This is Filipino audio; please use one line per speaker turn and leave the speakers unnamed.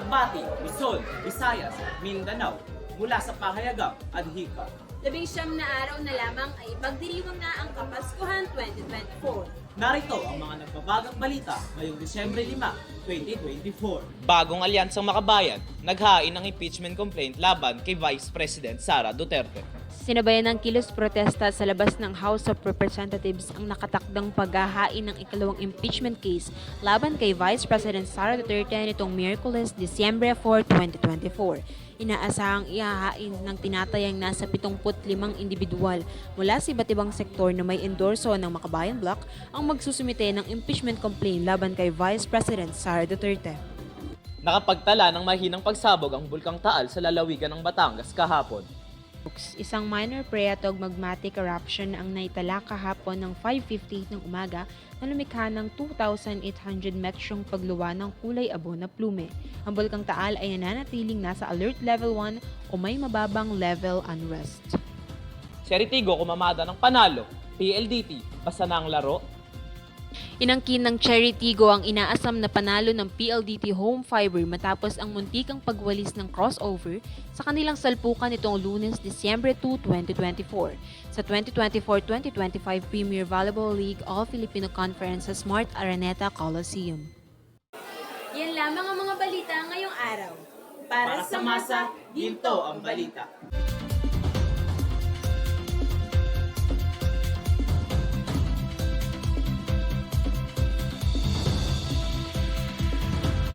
Masbate, Luzon, Visayas, Mindanao, mula sa pahayagang adhika.
19 na araw na lamang ay ipagdiriwang na ang Kapaskuhan 2024.
Narito ang mga nagbabagang balita ngayong Disyembre 5, 2024.
Bagong alyansang makabayan, naghain ng impeachment complaint laban kay Vice President Sara Duterte.
Sinabayan ng kilos protesta sa labas ng House of Representatives ang nakatakdang paghahain ng ikalawang impeachment case laban kay Vice President Sara Duterte nitong Miyerkules, Disyembre 4, 2024. Inaasahang ihahain ng tinatayang nasa 75 individual mula sa iba't ibang sektor na may endorso ng Makabayan Bloc ang magsusumite ng impeachment complaint laban kay Vice President Sara Duterte.
Nakapagtala ng mahinang pagsabog ang Bulkang Taal sa lalawigan ng Batangas kahapon.
Isang minor pre-atogmagmatic eruption ang naitala kahapon ng 5:58 ng umaga na lumikha ng 2,800 metrong pagluwa ng kulay abo na plume. Ang Bulkang Taal ay nananatiling nasa Alert Level 1 o may mababang level unrest.
Si Aritigo kumamada ng panalo, PLDT, basta na ang laro.
Inangkin ng Cherry Tigo ang inaasam na panalo ng PLDT Home Fiber matapos ang muntikang pagwalis ng crossover sa kanilang salpukan nitong Lunes, Disyembre 2, 2024 sa 2024-2025 Premier Volleyball League All-Filipino Conference sa Smart Araneta Coliseum. Yan lamang ang mga balita ngayong araw.
Para sa masa, ginto ang balita.